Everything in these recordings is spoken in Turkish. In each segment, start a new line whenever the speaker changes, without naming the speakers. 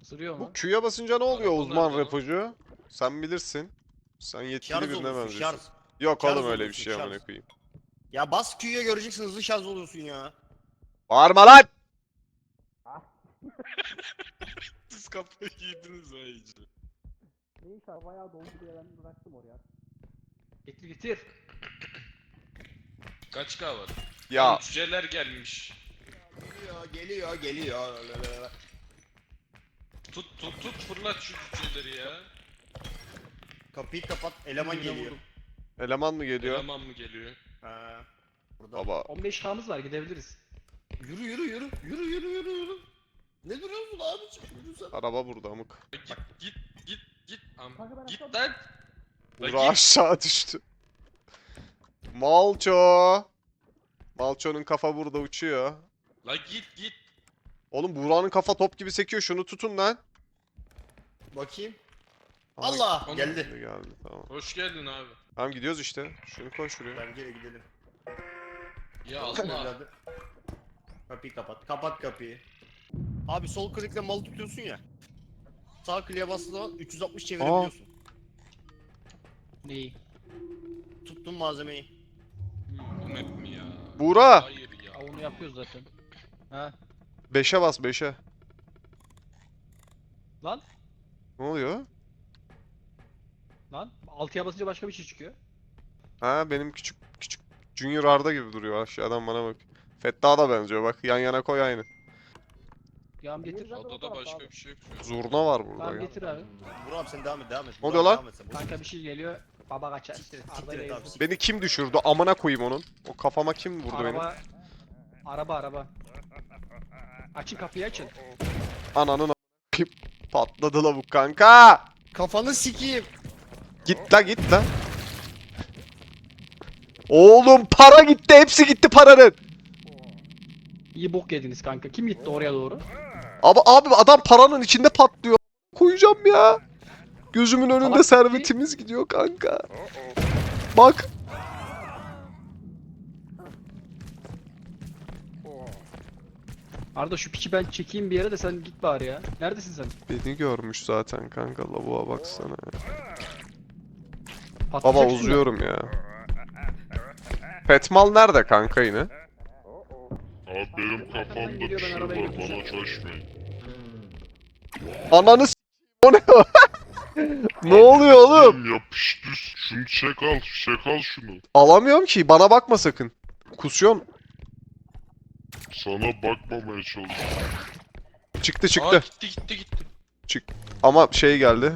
Isırıyor
Bu
mu?
Q'ya basınca ne oluyor
Arabalar
uzman
da lan.
repocu? Sen bilirsin. Sen yetkili
Şarj
birine
oluyorsun,
benziyorsun.
şarj.
Yok
Şarj
oğlum öyle bir
oluyorsun,
şey amına
şarj.
koyayım.
Ya bas Q'ya göreceksin, hızlı şarj oluyorsun ya.
Bağırma lan!
Siz kafayı yediniz ha iyice.
Neyse bayağı doldu diye ben bıraktım oraya. Getir getir.
Kaç K var?
Ya
Lan cüceler gelmiş.
Geliyor.
Tut fırlat şu cüceleri ya.
Kapıyı kapat, eleman
Birine
geliyor.
vurdum.
eleman mı geliyor?
Eleman mı geliyor?
Ha. Burada.
Baba
15K'mız var gidebiliriz.
Yürü. Ne duruyorsun abicim? Yürü sen.
araba burada amık.
Git.
Kanka ben
Git
aşağı
lan. La
Buğra
git.
aşağı düştü. Malço. Malço'nun kafa burada uçuyor.
La git.
Oğlum Buğra'nın kafa top gibi sekiyor. Şunu tutun lan.
Bakayım.
Aha,
Allah!
Onu-
Geldi.
geldi tamam.
Hoş geldin abi.
Tamam gidiyoruz işte. Şunu koy şuraya.
Ben geri gidelim.
Ya
Olsun
Allah.
evladım. Kapıyı kapat. Kapat kapıyı. Abi sol klikle malı tutuyorsun ya. Sağ kliğe bastığı zaman 360 çevirebiliyorsun.
Neyi?
Tuttun malzemeyi.
Bu map mi ya?
Buğra!
Hayır ya.
Ya onu yapıyoruz zaten. Ha?
5'e bas 5'e.
Lan?
Ne oluyor?
Lan? 6'ya basınca başka bir şey çıkıyor.
Ha benim küçük Junior Arda gibi duruyor aşağıdan bana bak. Fettah'a da benziyor bak yan yana koy aynı.
Yağım getir.
Odada başka bir şey yok şu an.
Zurna var burada
Tamam
ya.
getir abi.
Burak abi sen devam et.
Ne
Burak
oluyor
abi
lan?
devam et sen.
Kanka bir şey geliyor. Baba kaçar.
Siktir et abi.
Beni kim düşürdü? Amına koyayım onun. O kafama kim vurdu benim?
Araba. Açın kapıyı açın.
Ananın a**ayım. Patladı lavuk kanka.
Kafanı sikeyim.
Git la. Oğlum para gitti. Hepsi gitti paranın.
İyi bok yediniz kanka. Kim gitti oraya doğru?
Abi adam paranın içinde patlıyor. Koyacağım ya. Gözümün önünde
Salak
servetimiz gidiyor kanka. Bak.
Arda şu piçi ben çekeyim bir yere de sen git bari ya. Neredesin sen?
Beni görmüş zaten kanka. Lavuğa baksana. Baba
Patlayacak şimdi.
uzuyorum ya. Petmal nerede kanka yine?
Abi benim
Arkadan
kafamda bir
geliyor, ben
şey
arabaya
var,
götüreceğim.
bana çalışmayın.
Ananı s***. O ne? Ne oluyor oğlum?
Yapıştı. Şunu çek al şunu.
Alamıyorum ki. Bana bakma sakın. Kusuyorsun.
Sana bakmamaya çalışıyorum.
Çıktı
Aa
çıktı.
gitti.
Ama şey geldi.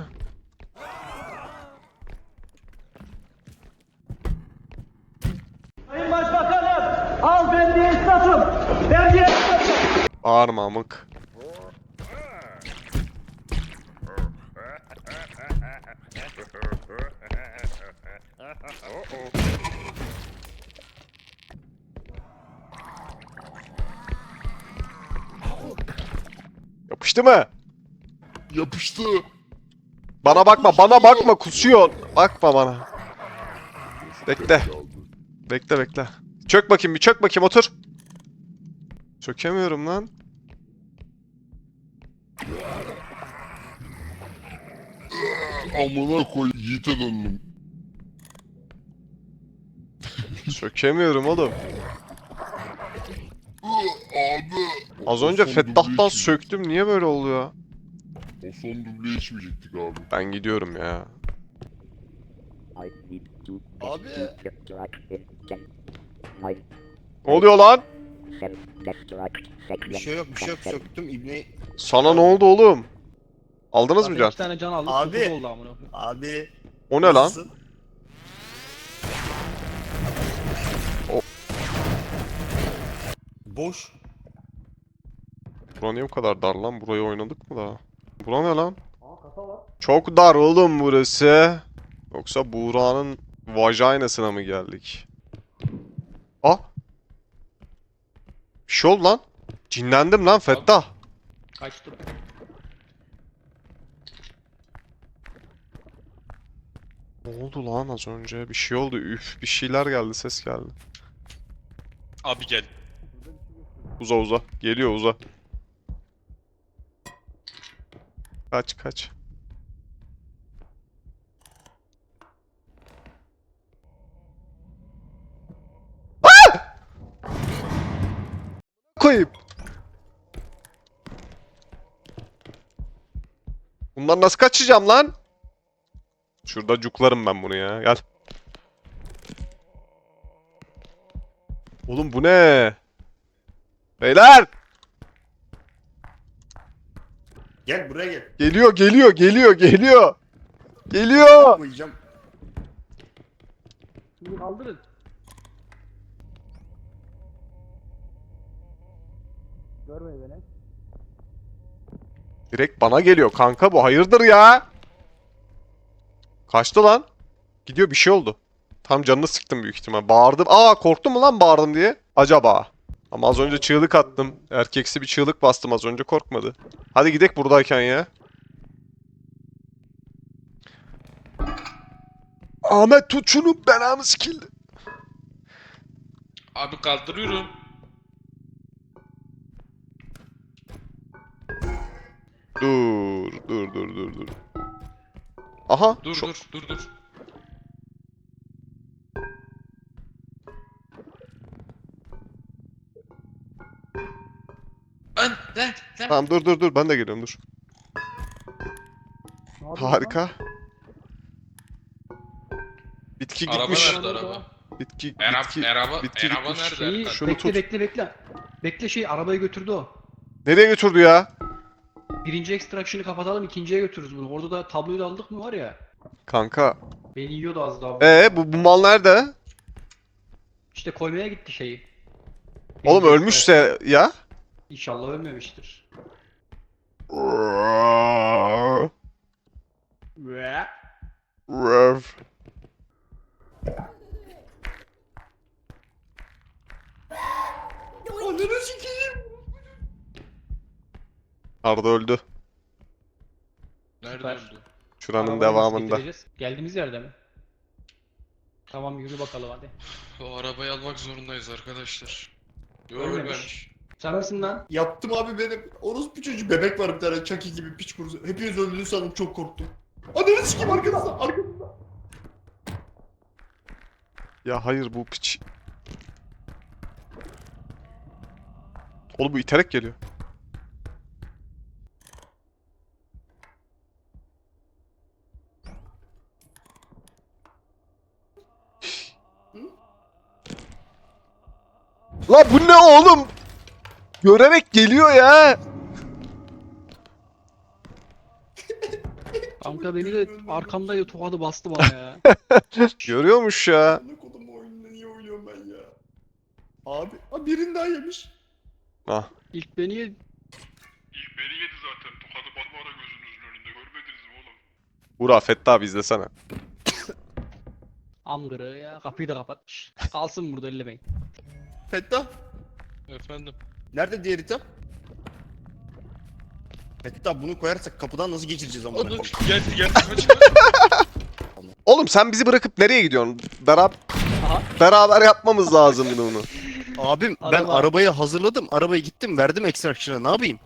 Sayın Başbakanım, al ben bir esnafım. Vergi
Bağırma amık. Yapıştı mı?
Yapıştı.
Bana bakma kusuyor. Bakma bana. Bekle. Bekle. Çök bakayım otur. Çökemiyorum lan.
Amına koy Yiğit'e döndüm.
Çökemiyorum oğlum.
Abi.
Az önce
O son
Fettah'tan
duble
söktüm. Niye böyle oluyor?
O son duble içmeyecektik abi.
Ben gidiyorum ya.
Abi.
Ne oluyor lan?
Bir şey yok. Söktüm ibneyi.
Sana ne oldu oğlum? Aldınız mı
Zaten
can?
2 tane can aldık.
Abi.
9 oldu amına.
Abi.
O ne lan?
nasılsın?
O-
Boş.
Bura niye bu kadar dar lan? Burayı oynadık mı daha? Bura ne lan? Çok dar oğlum burası. Yoksa Buğra'nın vajinasına mı geldik? Ah! Bir şey oldu lan. Cinlendim lan Fettah.
Kaçtım.
Ne oldu lan az önce? Bir şey oldu. Üf bir şeyler geldi. Ses geldi.
Abi gel.
Uza. Geliyor uza. Kaç kaç. Koyayım. Bundan nasıl kaçacağım lan? Şurada cuklarım ben bunu ya. Gel. Oğlum bu ne? Beyler!
Gel buraya gel.
Geliyor, geliyor, geliyor, geliyor. Geliyor.
Koyacağım.
Şimdi kaldırın. Görmeyin beni.
Direkt bana geliyor kanka bu. Hayırdır ya? Kaçtı lan. Gidiyor bir şey oldu. Tam canını sıktım büyük ihtimal. Bağırdım. Aa korktum mu lan bağırdım diye? Acaba. Ama az önce çığlık attım. Erkeksi bir çığlık bastım az önce korkmadı. Hadi gidek buradayken ya. Ahmet tut şunu belamı sikildi.
Abi kaldırıyorum.
Dur. Aha.
Dur
şu-
dur. Lan.
Tamam dur ben de geliyorum dur.
Ne yapıyorsun lan?
Harika. Bitki
Araba
gitmiş.
nerede araba?
Bitki
Araba
gitmiş.
nerede
Şeyi,
Erkan?
Şunu
bekle,
tut.
bekle. Bekle şey arabayı götürdü o.
Nereye götürdü ya?
Birinci extraction'ı kapatalım, ikinciye götürürüz bunu. Orada da tabloyu da aldık mı var ya.
Kanka.
Beni yiyordu az daha.
Bu mal nerede?
İşte koymaya gitti şeyi.
Oğlum
Birinci
ölmüşse ya.
İnşallah ölmemiştir. Ve
Rev.
Ananı sikeyim.
Arda öldü.
Nerede
Süper.
öldü?
Şuranın
arabayı nasıl
devamında.
getireceğiz? Geldiğimiz yerde mi? Tamam yürü bakalım hadi.
O arabayı almak zorundayız arkadaşlar. Yo
Ölmemiş.
ölmemiş.
Sen misin lan?
Yaptım abi benim. Orospu çocuğu bebek var bir tane Chucky gibi piç kurusu. Hepiniz öldüğünü sandım çok korktum. Ananı sikeyim arkanızda. Arkanızda.
Ya hayır bu piç. Oğlum bu iterek geliyor. La bu ne oğlum? Görerek geliyor ya.
Kanka beni de arkamda tokadı bastı bana ya.
Görüyormuş ya.
Ne kodum oyununu niye oynuyorum ben ya? Abi birini daha yemiş.
Ah.
İlk beni yedi.
İlk beni yedi zaten. Tokadı Barbara gözünüzün önünde. Görmediniz mi oğlum?
Burak Fettah abi izlesene.
Amgırı ya kapıyı da kapatmış. Kalsın burada ellemeyin.
Fettah.
Efendim.
Nerede diğer item? Fettah bunu koyarsak kapıdan nasıl geçireceğiz ama?
Onu gel kaç.
Oğlum sen bizi bırakıp nereye gidiyorsun?
Aha.
Beraber yapmamız lazım bunu.
Abim ben
Araba.
arabayı hazırladım. Arabayı gittim verdim extraction'a ne yapayım?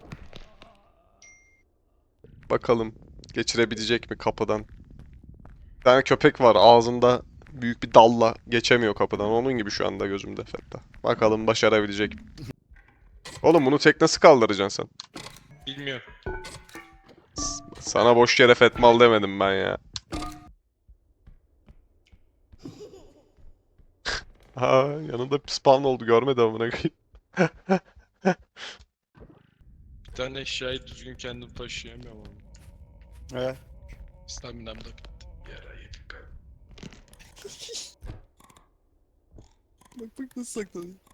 Bakalım geçirebilecek mi kapıdan? Bir tane köpek var ağzında büyük bir dalla geçemiyor kapıdan. Onun gibi şu anda gözümde Fettah. Bakalım başarabilecek mi? Oğlum bunu tek nasıl kaldıracaksın sen?
Bilmiyorum.
Sana boş yere Fetmal demedim ben ya. Ha yanında spawn oldu görmedi amına koyayım.
Bir tane eşyayı düzgün kendim taşıyamıyorum ama.
He.
Staminam da bitti. Yara yedik.
Bak nasıl saklanıyor.